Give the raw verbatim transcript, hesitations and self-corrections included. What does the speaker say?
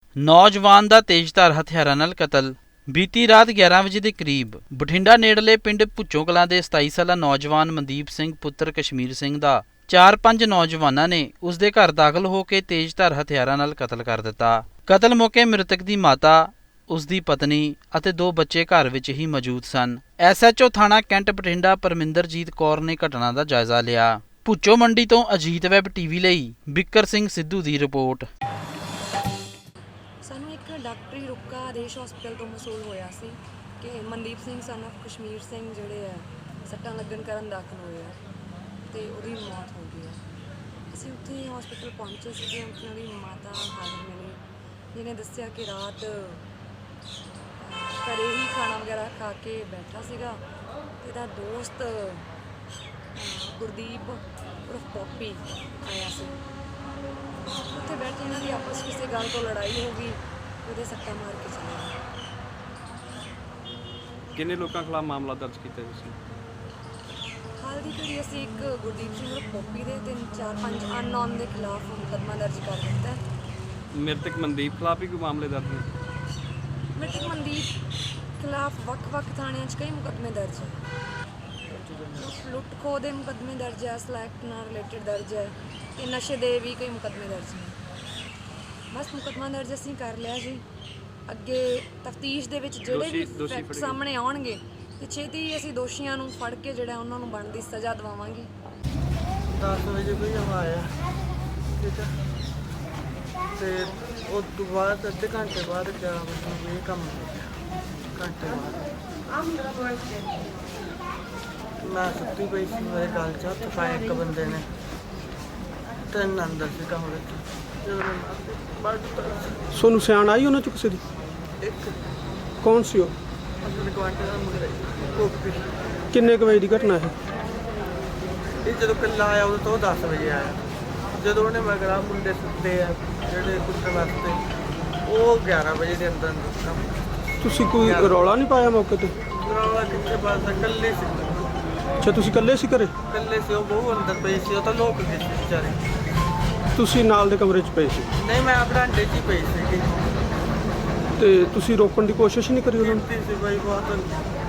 ਨੌਜਵਾਨ ਦਾ ਤੇਜ਼ਧਾਰ ਹਥਿਆਰਾਂ ਨਾਲ ਕਤਲ। ਬੀਤੀ ਰਾਤ ਗਿਆਰਾਂ ਵਜੇ ਦੇ ਕਰੀਬ ਬਠਿੰਡਾ ਨੇੜਲੇ ਪਿੰਡ ਭੁੱਚੋ ਕਲਾਂ ਦੇ ਸਤਾਈ ਸਾਲਾ ਨੌਜਵਾਨ ਮਨਦੀਪ ਸਿੰਘ ਪੁੱਤਰ ਕਸ਼ਮੀਰ ਸਿੰਘ ਦਾ ਚਾਰ ਪੰਜ ਨੌਜਵਾਨਾਂ ਨੇ ਉਸ ਦੇ ਘਰ ਦਾਖਲ ਹੋ ਕੇ ਤੇਜ਼ਧਾਰ ਹਥਿਆਰਾਂ ਨਾਲ ਕਤਲ ਕਰ ਦਿੱਤਾ। ਕਤਲ ਮੌਕੇ ਮ੍ਰਿਤਕ ਦੀ ਮਾਤਾ, ਉਸ ਦੀ ਪਤਨੀ ਅਤੇ ਦੋ ਬੱਚੇ ਘਰ ਵਿੱਚ ਹੀ ਮੌਜੂਦ ਸਨ। ਐਸ ਐਚ ਓ ਥਾਣਾ ਕੈਂਟ ਬਠਿੰਡਾ ਪਰਮਿੰਦਰਜੀਤ ਕੌਰ ਨੇ ਘਟਨਾ ਦਾ ਜਾਇਜ਼ਾ ਲਿਆ। ਭੁੱਚੋ ਮੰਡੀ ਤੋਂ ਅਜੀਤ ਵੈਬ ਟੀਵੀ ਲਈ ਬਿੱਕਰ ਸਿੰਘ ਸਿੱਧੂ ਦੀ ਰਿਪੋਰਟ। ਸਾਨੂੰ ਇੱਕ ਡਾਕਟਰੀ ਰੁਕਾ ਆਦੇਸ਼ ਹਸਪਤਾਲ ਤੋਂ ਮਸੂਲ ਹੋਇਆ ਸੀ ਕਿ ਮਨਦੀਪ ਸਿੰਘ ਸਨ ਆਫ ਕਸ਼ਮੀਰ ਸਿੰਘ ਜਿਹੜੇ ਆ ਸੱਟਾਂ ਲੱਗਣ ਕਾਰਨ ਦਾਖਲ ਹੋਏ ਆ ਅਤੇ ਉਹਦੀ ਮੌਤ ਹੋ ਗਈ ਹੈ। ਅਸੀਂ ਉੱਥੇ ਹਸਪਤਾਲ ਪਹੁੰਚੇ ਸੀਗੇ, ਉਹਨਾਂ ਦੀ ਮਾਤਾ ਹਾਜ਼ਰ ਮਿਲੀ, ਜਿਹਨੇ ਦੱਸਿਆ ਕਿ ਰਾਤ ਘਰੇ ਹੀ ਖਾਣਾ ਵਗੈਰਾ ਖਾ ਕੇ ਬੈਠਾ ਸੀਗਾ ਅਤੇ ਇਹਦਾ ਦੋਸਤ ਗੁਰਦੀਪ ਉਰਫ ਪੋਪੀ ਆਇਆ ਸੀ। ਉੱਥੇ ਬੈਠੇ ਇਹਨਾਂ ਦੀ ਆਪਸ ਕਿਸੇ ਗੱਲ ਤੋਂ ਲੜਾਈ ਹੋ ਗਈ, ਉਹਦੇ ਸੱਟਾਂ ਮਾਰ ਕੇ ਚਲੇ ਗਏ। ਕਿੰਨੇ ਲੋਕਾਂ ਖਿਲਾਫ ਮਾਮਲਾ ਦਰਜ ਕੀਤਾ ਤੁਸੀਂ? ਹਾਲ ਦੀ ਘੜੀ ਅਸੀਂ ਇੱਕ ਗੁਰਦੀਪ ਸਿੰਘ ਉਰਫ ਪੋਪੀ ਦੇ ਤਿੰਨ ਚਾਰ ਪੰਜ ਅਨਨੋਨ ਦੇ ਖਿਲਾਫ ਮੁਕੱਦਮਾ ਦਰਜ ਕਰ ਦਿੱਤਾ। ਮ੍ਰਿਤਕ ਮਨਦੀਪ ਖਿਲਾਫ ਵੀ ਕੋਈ ਮਾਮਲੇ ਦਰਜ ਨੇ? ਮ੍ਰਿਤਕ ਮਨਦੀਪ ਖਿਲਾਫ ਵੱਖ-ਵੱਖ ਥਾਣਿਆਂ 'ਚ ਕਈ ਮੁਕੱਦਮੇ ਦਰਜ ਹੈ। ਲੁੱਟ ਖੋਹ ਦੇ ਮੁਕੱਦਮੇ ਦਰਜ ਹੈ, ਸਲੈਕਟ ਨਾਲ ਰਿਲੇਟਡ ਦਰਜ ਹੈ ਅਤੇ ਨਸ਼ੇ ਦੇ ਵੀ ਕਈ ਮੁਕੱਦਮੇ ਦਰਜ ਨੇ। ਬਸ ਮੁਕੱਦਮਾ ਦਰਜ ਅਸੀਂ ਕਰ ਲਿਆ ਜੀ। ਅੱਗੇ ਤਫਤੀਸ਼ ਦੇ ਵਿੱਚ ਜਿਹੜੇ ਵੀ ਫੈਕਟ ਸਾਹਮਣੇ ਆਉਣਗੇ ਤੇ ਛੇਤੀ ਅਸੀਂ ਦੋਸ਼ੀਆਂ ਨੂੰ ਫੜ ਕੇ ਜਿਹੜਾ ਉਹਨਾਂ ਨੂੰ ਬਣਦੀ ਸਜ਼ਾ ਦਿਵਾਵਾਂਗੇ। ਦਸ ਵਜੇ ਕੋਈ ਆਇਆ, ਠੀਕ ਹੈ, ਅਤੇ ਉਸ ਤੋਂ ਬਾਅਦ ਅੱਧੇ ਘੰਟੇ ਬਾਅਦ ਗਿਆਰਾਂ ਵਜੇ ਨੂੰ ਇਹ ਕੰਮ ਹੋ ਗਿਆ। ਘੰਟੇ ਬਾਅਦ ਮੈਂ ਸੁੱਤੀ ਪਈ ਸੀ, ਮੇਰੇ ਗਲ 'ਚ ਹੱਥ ਪਾਇਆ ਇੱਕ ਬੰਦੇ ਨੇ, ਤਿੰਨ ਅੰਦਰ ਸੀ ਕਮਰੇ 'ਚ। ਜਦੋਂ ਮੈਂ ਮਾਰਦੇ ਬਾਹਰ ਦਿੱਤਾ ਤੁਹਾਨੂੰ ਸਿਆਣ ਆਈ ਉਹਨਾਂ 'ਚ ਕਿਸੇ ਦੀ? ਇੱਕ ਕੌਣ ਸੀ ਉਹ? ਆਪਣੇ ਕੁਆਂਟੇ ਦਾ ਮੁੰਡਾ ਕੋਪੀ। ਕਿੰਨੇ ਕੁ ਵਜੇ ਦੀ ਘਟਨਾ ਹੈ? ਇਹ ਜਦੋਂ ਕੱਲਾ ਆਇਆ ਉਦੋਂ ਤੋਂ ਦਸ ਵਜੇ ਆਇਆ। ਜਦੋਂ ਉਹਨੇ ਮਗਰਾ ਮੁੰਡੇ ਸੁੱਤੇ ਆ ਜਿਹੜੇ ਕੁੱਟਣ ਵਾਸਤੇ, ਉਹ ਗਿਆਰਾਂ ਵਜੇ ਦੇ ਅੰਦਰ ਕੰਮ। ਤੁਸੀਂ ਕੋਈ ਰੌਲਾ ਨਹੀਂ ਪਾਇਆ ਮੌਕੇ 'ਤੇ? ਰੌਲਾ ਕਿੱਥੇ ਪਾਸਾ, ਇਕੱਲੇ ਸੀ। ਅੱਛਾ, ਤੁਸੀਂ ਇਕੱਲੇ ਸੀ ਘਰੇ? ਇਕੱਲੇ ਸੀ, ਉਹ ਬਹੂ ਅੰਦਰ ਪਈ ਸੀ, ਉਹ ਤਾਂ ਲੋਕ ਗਏ ਸੀ ਵਿਚਾਰੇ। ਤੁਸੀਂ ਨਾਲ ਦੇ ਕਮਰੇ 'ਚ ਪਏ ਸੀ? ਨਹੀਂ, ਮੈਂ ਬਰਾਂਡੇ 'ਚ ਹੀ ਪਈ ਸੀਗੀ। ਤੇ ਤੁਸੀਂ ਰੋਕਣ ਦੀ ਕੋਸ਼ਿਸ਼ ਨਹੀਂ ਕਰੀ ਉਹਨਾਂ ਨੂੰ? ਕੀਤੀ ਸੀ ਬਾਈ ਬਹੁਤ।